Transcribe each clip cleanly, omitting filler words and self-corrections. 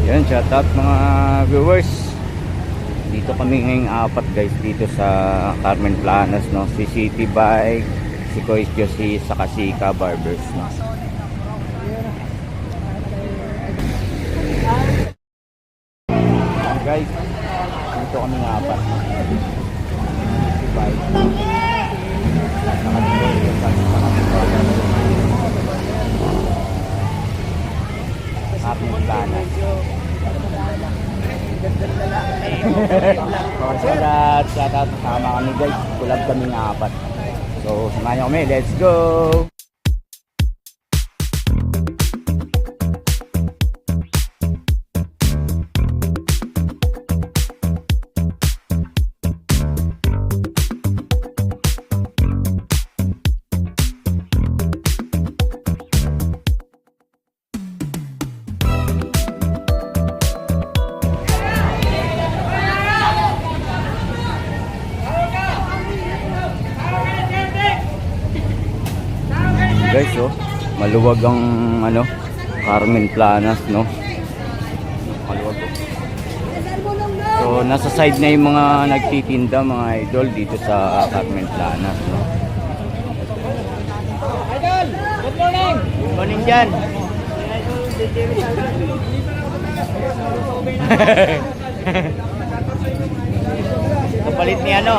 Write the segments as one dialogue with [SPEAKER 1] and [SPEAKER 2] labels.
[SPEAKER 1] Yan, shout out mga viewers. Dito kami ngayong apat guys, dito sa Carmen Planas, no? Si City Bike, si Kois Josie, saka si Ka Barbers, no? Guys, dito kami ng apat. City Bike, saka si Kois Josie, saka si Barbers. Carmen Planas. Shout out, sama kami guys, kulab kami ng apat. So samahan nyo kami, let's go. Guys, oh, maluwag ang ano, Carmen Planas, no? Maluwag. So, nasa side na yung mga nagtitinda, mga idol, dito sa Carmen Planas, no?
[SPEAKER 2] Idol, good morning.
[SPEAKER 1] Good morning dyan. Kapalit ni ano?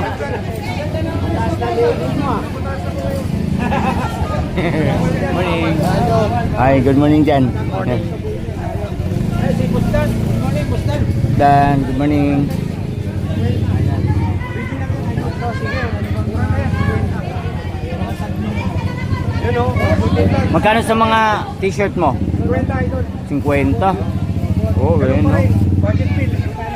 [SPEAKER 1] Morning. Hi, good morning dyan.
[SPEAKER 2] Si Bustan. Good morning, Bustan.
[SPEAKER 1] Dan, good morning.
[SPEAKER 2] Yun o.
[SPEAKER 1] Magkano sa mga t-shirt mo?
[SPEAKER 2] 50 idol.
[SPEAKER 1] 50. Oh, well, no?
[SPEAKER 2] Budget bill.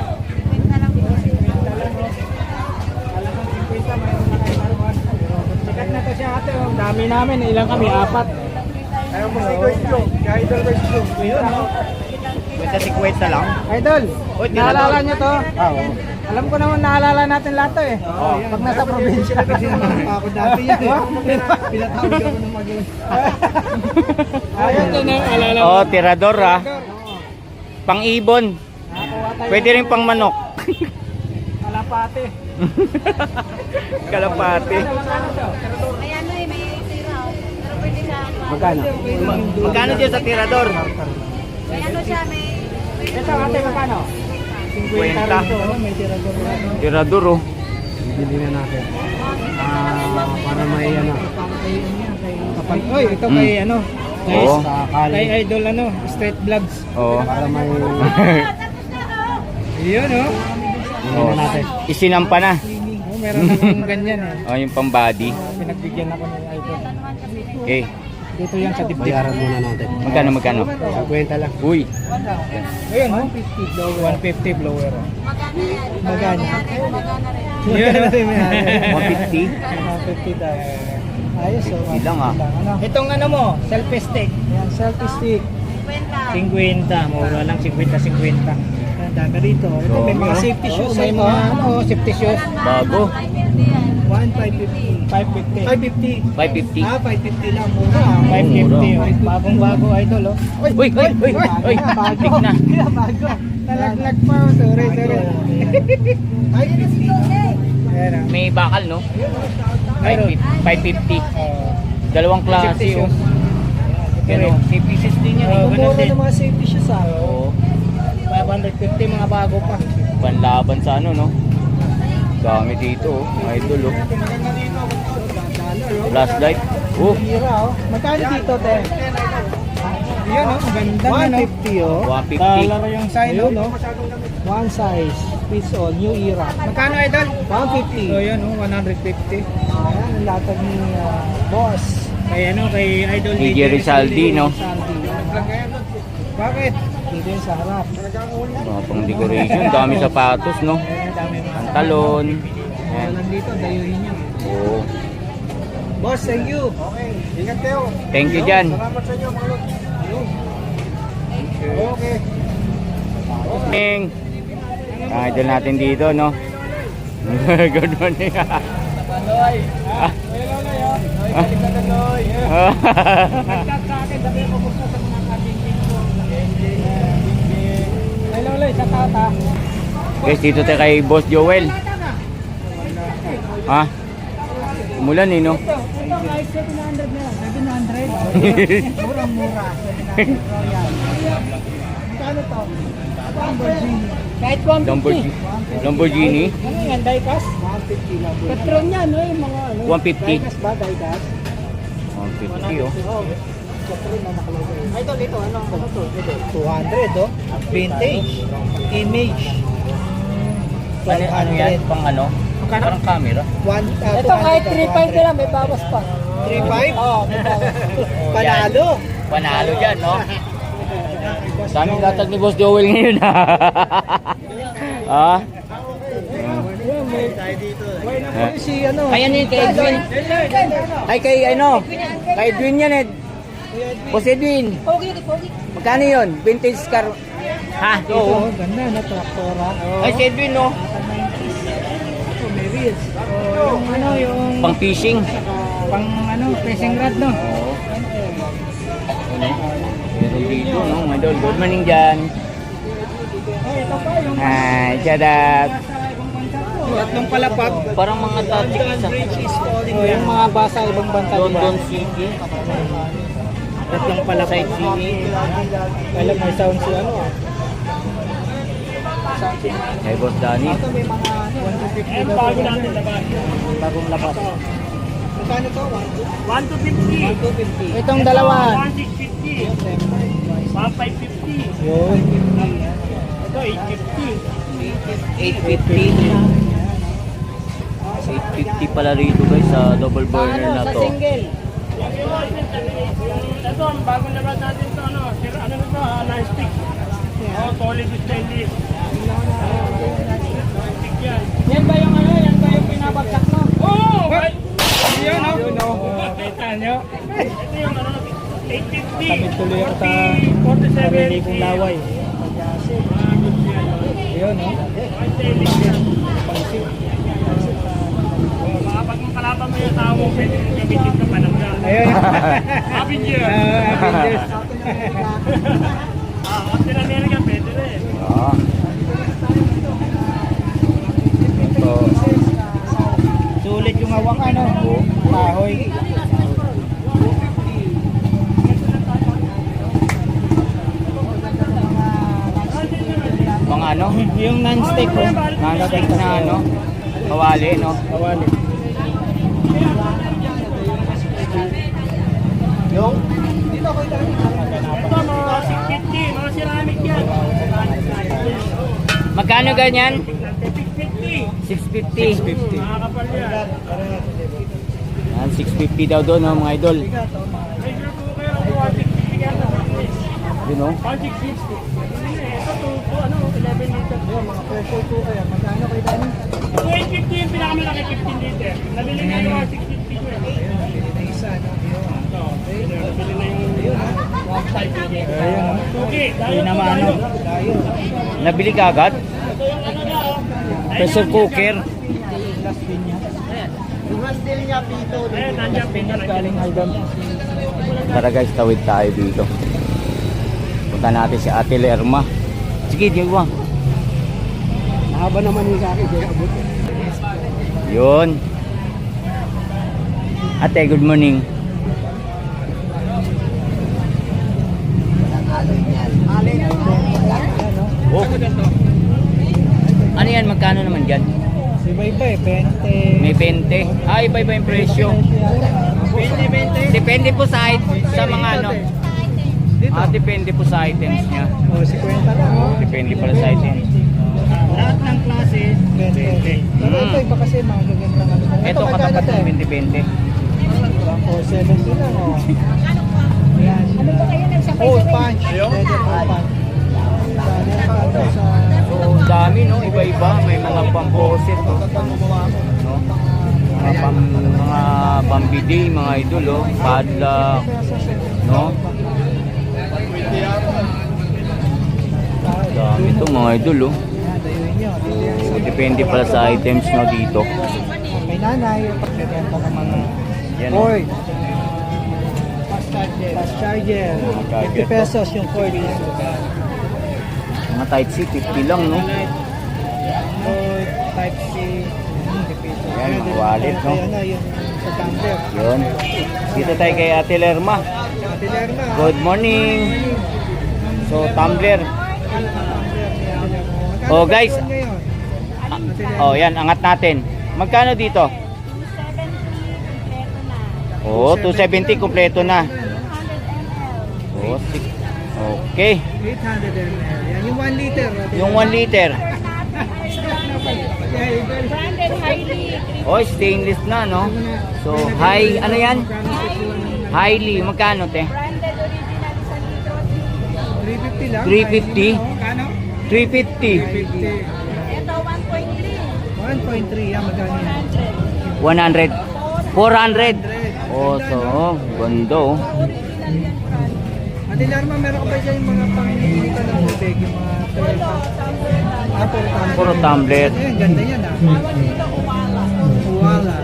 [SPEAKER 2] Sikat na to siya ate. Ang dami namin. Ilang kami? 4. Ayaw mo si Guys Joe. Si Idol Guys Joe. Yun o.
[SPEAKER 1] Basta 50 lang.
[SPEAKER 2] Idol,
[SPEAKER 1] Oy,
[SPEAKER 2] naalala
[SPEAKER 1] tinatawag.
[SPEAKER 2] niyo to? Oo. Alam ko naman naalala natin lahat to eh. Pag nasa probinsya.
[SPEAKER 3] Ako dati yan eh. Pinatawag ako ng mag-iwan.
[SPEAKER 2] Ayun din ang alala mo.
[SPEAKER 1] Oh, tirador ah. Pang-ibon. Pwede rin pang manok.
[SPEAKER 2] Kalapate.
[SPEAKER 1] Kalapati.
[SPEAKER 4] May ano eh, may tira. Pero pwede siya.
[SPEAKER 1] Magkano? Magkano dyan sa tirador?
[SPEAKER 4] May ano siya, may...
[SPEAKER 2] Ito ate, magkano?
[SPEAKER 1] 50.
[SPEAKER 2] May tirador.
[SPEAKER 1] Tirador oh.
[SPEAKER 3] Bili na natin. Para may ano.
[SPEAKER 2] Kapag, oy, ito kay ano? Guys,
[SPEAKER 1] Oo.
[SPEAKER 2] kay Idol ano, Street Vlogs.
[SPEAKER 1] Oh.
[SPEAKER 3] Para may...
[SPEAKER 2] Yun oh.
[SPEAKER 1] Oh. Isinampa na.
[SPEAKER 2] Oh, meron akong ganyan eh.
[SPEAKER 1] Oh, yung pang body.
[SPEAKER 2] Pinagbigyan ako ni Idol.
[SPEAKER 1] Okay.
[SPEAKER 2] Dito yan sa dibdib.
[SPEAKER 3] Bayaran muna natin.
[SPEAKER 1] Magkano?
[SPEAKER 3] 50 lang.
[SPEAKER 1] Uy.
[SPEAKER 2] Ayun oh. 150 blower.
[SPEAKER 4] Magana yan.
[SPEAKER 2] Magana.
[SPEAKER 4] Magana rin.
[SPEAKER 2] Yun oh.
[SPEAKER 1] 150?
[SPEAKER 2] 150 daw. Ayos oh.
[SPEAKER 1] 50 lang, ah.
[SPEAKER 2] Ano? Itong ano mo, selfie stick. Yan, selfie stick.
[SPEAKER 4] 50.
[SPEAKER 2] 50, mura lang 50. Ganda dito. Ito may mga
[SPEAKER 1] Oo.
[SPEAKER 2] safety shoes. May mga ano, safety shoes.
[SPEAKER 1] Bago.
[SPEAKER 2] 1,550. 550.
[SPEAKER 1] 550.
[SPEAKER 2] 550 lang mura.
[SPEAKER 1] Mura.
[SPEAKER 2] 550. Oh. Bagong-bago idol oh.
[SPEAKER 1] Uy. Tik na.
[SPEAKER 2] Bago. Nalaglag pa. Oh. Sorry. Ay, ayan ah.
[SPEAKER 1] May bakal, no?
[SPEAKER 2] Mayroon.
[SPEAKER 1] 550.
[SPEAKER 2] Oh.
[SPEAKER 1] Dalawang klase,
[SPEAKER 2] Safety
[SPEAKER 1] oh.
[SPEAKER 2] shoes.
[SPEAKER 1] Pero, safety shoes din yan,
[SPEAKER 2] Oh,
[SPEAKER 1] eh.
[SPEAKER 2] ganun din.
[SPEAKER 3] mga safety shoes ah.
[SPEAKER 1] Oo.
[SPEAKER 2] 550 mga bago pa.
[SPEAKER 1] Panlaban sa ano, no? Dami dito, oh. Mga idol, oh. Flashlight. Oh,
[SPEAKER 2] Hira oh. Magkano dito, te? Yun oh, ganda na no.
[SPEAKER 3] 150 oh.
[SPEAKER 1] 150.
[SPEAKER 2] Dollar yung sign
[SPEAKER 3] Ayun
[SPEAKER 2] oh.
[SPEAKER 3] oh. One size. Fits all. New era.
[SPEAKER 2] Magkano idol?
[SPEAKER 3] 150.
[SPEAKER 2] So yun oh, 150.
[SPEAKER 3] Ayan, ang latag ni boss.
[SPEAKER 2] Kay ano, kay idol
[SPEAKER 1] DJ Rizaldi, no?
[SPEAKER 3] Sandy.
[SPEAKER 2] Bakit?
[SPEAKER 3] Dito yun sa harap.
[SPEAKER 1] Mga pang decoration. Dami sapatos, no?
[SPEAKER 2] Dami mga
[SPEAKER 1] Pantalon.
[SPEAKER 3] Ayan.
[SPEAKER 1] Ayan.
[SPEAKER 3] Nandito, dayuhin nyo.
[SPEAKER 1] Oo.
[SPEAKER 3] Boss, thank you.
[SPEAKER 2] Okay, ingat kayo.
[SPEAKER 1] Thank you dyan.
[SPEAKER 2] Salamat sa inyo mga lods. Okay.
[SPEAKER 1] Morning. Idol natin dito, no? Good morning.
[SPEAKER 2] Loy. Hello, Loy. Balik ka na, Loy. Nagchat sa akin, sabi ko kumusta sa mga kabingking ko. bata.
[SPEAKER 1] Guys, dito tayo kay Boss Joel. Ha? Umulan eh, no?
[SPEAKER 2] Ito kahit 700 na lang. 700? Murang-mura. 700 Royal. Magkano to? Lamborghini. Kahit 150.
[SPEAKER 1] Lamborghini.
[SPEAKER 2] Ano yan, diecast? 150 Lamborghini. Patron yan, no? Yung mga ano.
[SPEAKER 1] 150.
[SPEAKER 2] Diecast ba, diecast?
[SPEAKER 1] 150, oh.
[SPEAKER 2] Patron na nakalagay. Ay, ito, ano to? Ito, 200, oh. Vintage. Image.
[SPEAKER 1] Ano yan? Pang ano? Parang camera.
[SPEAKER 2] Ito kahit 3.5 nila, may bawas pa. 3.5? Oo, may bawas. Panalo.
[SPEAKER 1] Panalo dyan, no? Daming latag ni Boss Joel ngayon, ha? Ha?
[SPEAKER 2] Si ano?
[SPEAKER 1] Kaya niya kay Edwin. Ay, kay ano? Kay Edwin yan, eh. Boss Edwin.
[SPEAKER 4] Pogi, pogi.
[SPEAKER 1] Magkano yun? Vintage car. Ha?
[SPEAKER 2] Ito,
[SPEAKER 1] Oo.
[SPEAKER 2] ganda na, traktora.
[SPEAKER 1] Ay, si Edwin, no?
[SPEAKER 2] Ito, may wheels. Yung ano, yung
[SPEAKER 1] Pang fishing.
[SPEAKER 2] pang ano, fishing rod, no?
[SPEAKER 1] Oo. Ano? Meron dito, no? Mga idol. Good morning dyan.
[SPEAKER 2] Ito pa, yung
[SPEAKER 1] Hi, shout out.
[SPEAKER 2] tatlong palapag.
[SPEAKER 1] Parang mga tajik sa
[SPEAKER 2] Yung mga basa ibang banta, diba?
[SPEAKER 1] London City.
[SPEAKER 2] Tatlong palapag.
[SPEAKER 1] Sightseeing.
[SPEAKER 2] Alam, may sound si ano, ah.
[SPEAKER 1] Hey, Boss Danny.
[SPEAKER 2] Ito may mga 150 na bago natin labas. Bagong labas. Magkano to? 150. Itong dalawa. 1,650. 1,550. Yun. Ito 850.
[SPEAKER 1] 850 pala rito guys sa double burner na to.
[SPEAKER 2] single.
[SPEAKER 5] Ito, ang bagong labas natin ito, ano ito, non-stick. Oh, solid stainless. Non-stick yan.
[SPEAKER 2] Yan ba yung ano? Yan ba yung pinabagsak mo?
[SPEAKER 5] Oh!
[SPEAKER 2] Yun, no?
[SPEAKER 5] Kita nyo? Ito yung ano, 850.
[SPEAKER 2] Kami tuloy ako sa
[SPEAKER 5] 47.
[SPEAKER 2] sarili kong laway. Yun, no?
[SPEAKER 5] Stainless yan. Pag mong kalaban mo yung tao mo, pwede mong gamitin ka pa ng gano'n.
[SPEAKER 2] Ayun.
[SPEAKER 5] Happy Year!
[SPEAKER 2] Avengers.
[SPEAKER 5] Captain America, pwede rin.
[SPEAKER 1] Ah. Ito.
[SPEAKER 2] Sulit yung hawakan, no? Kahoy.
[SPEAKER 1] Mga ano?
[SPEAKER 2] Yung non-stick, oh.
[SPEAKER 1] Non-stick na ano? Kawali, no?
[SPEAKER 2] Kawali. Yung? Dito ako ito.
[SPEAKER 5] Ito, mga 650, mga ceramic yan.
[SPEAKER 1] Magkano ganyan?
[SPEAKER 5] 650.
[SPEAKER 1] 650.
[SPEAKER 5] Makakapal yan.
[SPEAKER 1] Yan, 650 daw doon, no, mga idol.
[SPEAKER 5] Regular po kayo, 160 yan.
[SPEAKER 1] Yun, no?
[SPEAKER 5] 160. Ito, 11 liters.
[SPEAKER 2] Mga pressure cooker. Magkano kayo dami?
[SPEAKER 5] 250 yung pinakamalaki, 15 liters. Nabili na yung 650 ko eh.
[SPEAKER 2] Isa, no?
[SPEAKER 5] Ito, nabili na yung 1.5 liters.
[SPEAKER 2] Ayun,
[SPEAKER 5] Okay,
[SPEAKER 2] Hindi naman, ano? Dayo.
[SPEAKER 1] Nabili ka agad?
[SPEAKER 5] Ito yung ano na, oh.
[SPEAKER 1] Pressure cooker.
[SPEAKER 2] Last pin niya. Yung handle niya, pito.
[SPEAKER 5] Ayun, nandiyan, pinto na.
[SPEAKER 2] Galing Algam.
[SPEAKER 1] Tara guys, tawid tayo dito. Punta natin si Ate Lerma. Sige, diwa.
[SPEAKER 2] Mahaba naman yung sa akin. Kaya abot.
[SPEAKER 1] Yun. Ate, good morning. Oh. Ano yan? Magkano naman dyan?
[SPEAKER 2] Iba-iba eh. 20.
[SPEAKER 1] May 20. Ah, iba-iba yung presyo.
[SPEAKER 2] 20.
[SPEAKER 1] Depende po sa mga ano. Ah, depende po sa items niya.
[SPEAKER 2] O, 50 lang. Oh.
[SPEAKER 1] Depende pala sa items.
[SPEAKER 2] Lahat ng klase, 20. Pero ito, iba kasi mga gagandang ano.
[SPEAKER 1] Ito katapat ng 20-20.
[SPEAKER 2] O, 70 lang. O. Ayan.
[SPEAKER 4] Ano ba kayo nagsabay
[SPEAKER 2] Hole punch. Leather hole punch. Ito sa...
[SPEAKER 1] So, dami no, iba-iba. May mga pamposit, no? Mga pambidi, mga idol, oh. Padlock, no? Dami ito, mga idol, oh.
[SPEAKER 2] Ayan, dayuin nyo.
[SPEAKER 1] So, depende pala sa items, no, dito.
[SPEAKER 2] May nanay, pagbibenta ng mga
[SPEAKER 1] Yan,
[SPEAKER 2] cord. Fast charger.
[SPEAKER 1] charger.
[SPEAKER 2] 50 pesos yung cord.
[SPEAKER 1] Mga type C, 50 lang, no?
[SPEAKER 2] Android, Type C.
[SPEAKER 1] Ayan, mga wallet, no?
[SPEAKER 2] Ayan na, yung sa tumbler.
[SPEAKER 1] Yun. Dito tayo kay Ate Lerma.
[SPEAKER 2] Ate Lerma.
[SPEAKER 1] Good morning. So, tumbler. Oh, guys. Oh, yan, angat natin. Magkano dito?
[SPEAKER 4] 270 kompleto na.
[SPEAKER 1] Oh, 270 kompleto na.
[SPEAKER 4] 100 ml.
[SPEAKER 1] Oh, okay.
[SPEAKER 2] 800 ml. Yan, yung 1 liter.
[SPEAKER 1] Yung 1 liter.
[SPEAKER 4] Branded highly.
[SPEAKER 1] Oh, stainless na, no? So, high, ano yan? Highly, magkano, te?
[SPEAKER 4] Branded original sa litro.
[SPEAKER 2] 350 lang.
[SPEAKER 1] 350.
[SPEAKER 2] Kano?
[SPEAKER 1] 350.
[SPEAKER 2] 350.
[SPEAKER 4] Ito 1.3.
[SPEAKER 2] 1.3 yan, magkano yan?
[SPEAKER 1] 100. 400. Oh, so, ganda, oh.
[SPEAKER 4] Original yan, brand.
[SPEAKER 2] Ate Lerma, meron ka ba dyan yung mga panginitan ng tubig? Yung mga
[SPEAKER 1] Puro tumbler.
[SPEAKER 2] Ayan, ganda yan ah. Uwala.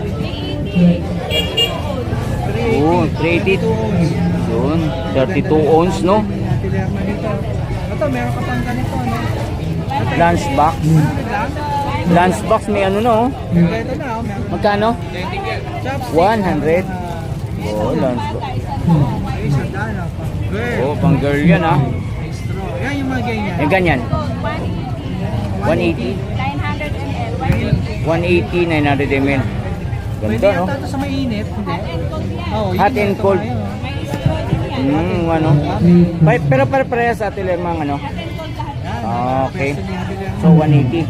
[SPEAKER 1] Oh, 380. Yun, 32 ounce, no?
[SPEAKER 2] Ate Lerma dito. Ito, meron ka pang ganito, no?
[SPEAKER 1] Lunchbox. Lunchbox, may ano, no?
[SPEAKER 2] Ito na, oh, meron.
[SPEAKER 1] Magkano?
[SPEAKER 2] Chopstick.
[SPEAKER 1] 100. Oh, lunchbox.
[SPEAKER 2] Ay, sandaan ah. Girl.
[SPEAKER 1] Oh, pang girl yan, ah.
[SPEAKER 2] Straw. Yan yung mga ganyan.
[SPEAKER 1] Yung ganyan. 180.
[SPEAKER 4] 900 ml.
[SPEAKER 1] 180, 900 ml.
[SPEAKER 2] Pwede
[SPEAKER 1] Ganda, no?
[SPEAKER 2] yata ito sa mainit. Hindi. Oo, yun
[SPEAKER 1] Hot
[SPEAKER 2] yung
[SPEAKER 1] and
[SPEAKER 2] ito
[SPEAKER 1] cold.
[SPEAKER 2] ngayon.
[SPEAKER 1] Ano? Pero pare-parehas sa Ate Lerma, ano? Ah, okay.
[SPEAKER 2] Pwesto ni Ate Lerma.
[SPEAKER 1] So, 180.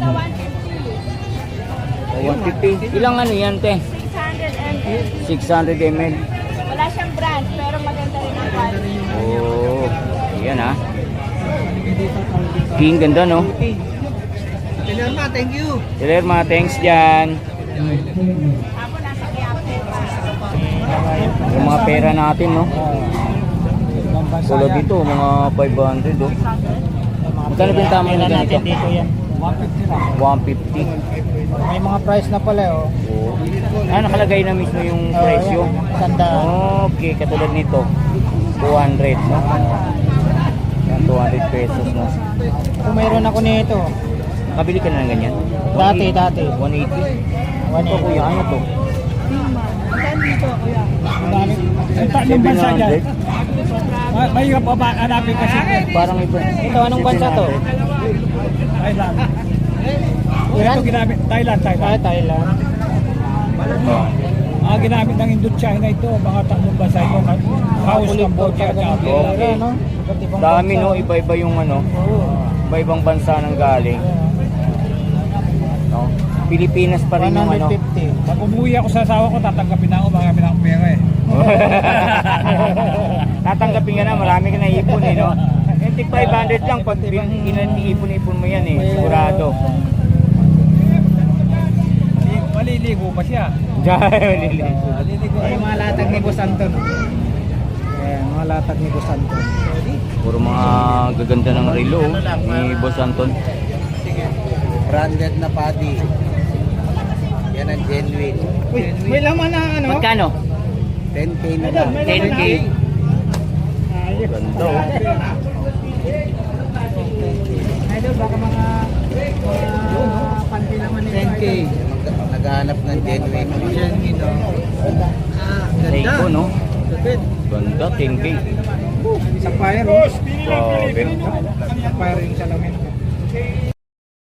[SPEAKER 1] So, 150. Ilang ano yan, te?
[SPEAKER 4] 600 ml.
[SPEAKER 1] 600 ml.
[SPEAKER 4] Wala siyang brand, pero maganda rin ang quality.
[SPEAKER 1] Oh, yan, ah.
[SPEAKER 2] Dito, tawag dito.
[SPEAKER 1] King, ganda, no?
[SPEAKER 2] Okay. Ate Lerma, thank you.
[SPEAKER 1] Ate Lerma, thanks dyan.
[SPEAKER 4] Ako nasa Quiapo pa.
[SPEAKER 1] Yung mga pera natin, no? Tulad dito, mga 500, oh. Magkano benta mo na ganito?
[SPEAKER 2] Dito yan. 150 lang.
[SPEAKER 1] 150.
[SPEAKER 2] May mga price na pala oh.
[SPEAKER 1] Oh. Ah, nakalagay na mismo yung presyo.
[SPEAKER 2] Sanda.
[SPEAKER 1] Okay, katulad nito. 200, no? Yan, 200 pesos, no?
[SPEAKER 2] Kung mayroon ako nito.
[SPEAKER 1] Nakabili ka na ng ganyan?
[SPEAKER 2] Dati.
[SPEAKER 1] 180. Ito, kuya, ano to?
[SPEAKER 2] Anong bansa dyan?
[SPEAKER 1] 700.
[SPEAKER 2] May hanapin kasi.
[SPEAKER 1] Parang iba.
[SPEAKER 2] Ito, anong bansa to?
[SPEAKER 1] 700.
[SPEAKER 2] Thailand. Iran? Ito ginamit, Thailand. Thailand.
[SPEAKER 1] Oh.
[SPEAKER 2] Ginamit ng Indochina ito, mga tatlong bansa ito. Laos, Cambodia, at
[SPEAKER 1] Okay. Dami, no? Iba-iba yung ano. Iba-ibang bansa nang galing. No? Pilipinas pa rin yung ano.
[SPEAKER 2] 150. Pag umuwi ako sa asawa ko, tatanggapin na ako, marami na akong pera eh.
[SPEAKER 1] Tatanggapin ka na, marami ka na ipon eh, no? Yung tig 500 lang, pag ipon-ipon mo yan eh, sigurado.
[SPEAKER 2] Maliligo pa siya.
[SPEAKER 1] Maliligo.
[SPEAKER 2] Ay, mga latag ni Boss Anton. Ayan, mga latag ni Boss Anton.
[SPEAKER 1] Puro mga gaganda ng relo ni Boss Anton.
[SPEAKER 3] Branded na paddy. Yan ang genuine.
[SPEAKER 2] Uy, may laman na ano?
[SPEAKER 1] Magkano?
[SPEAKER 3] 10K na lang.
[SPEAKER 1] 10K. Ganda, oh.
[SPEAKER 2] Idol, baka mga panty naman nito. 10K.
[SPEAKER 3] Naghahanap ng genuine.
[SPEAKER 2] Genuine, no?
[SPEAKER 1] Seiko, no?
[SPEAKER 2] Lupit.
[SPEAKER 1] Ganda, 10K.
[SPEAKER 2] Sapphire, oh.
[SPEAKER 1] Grabe.
[SPEAKER 2] Sapphire yung salamin.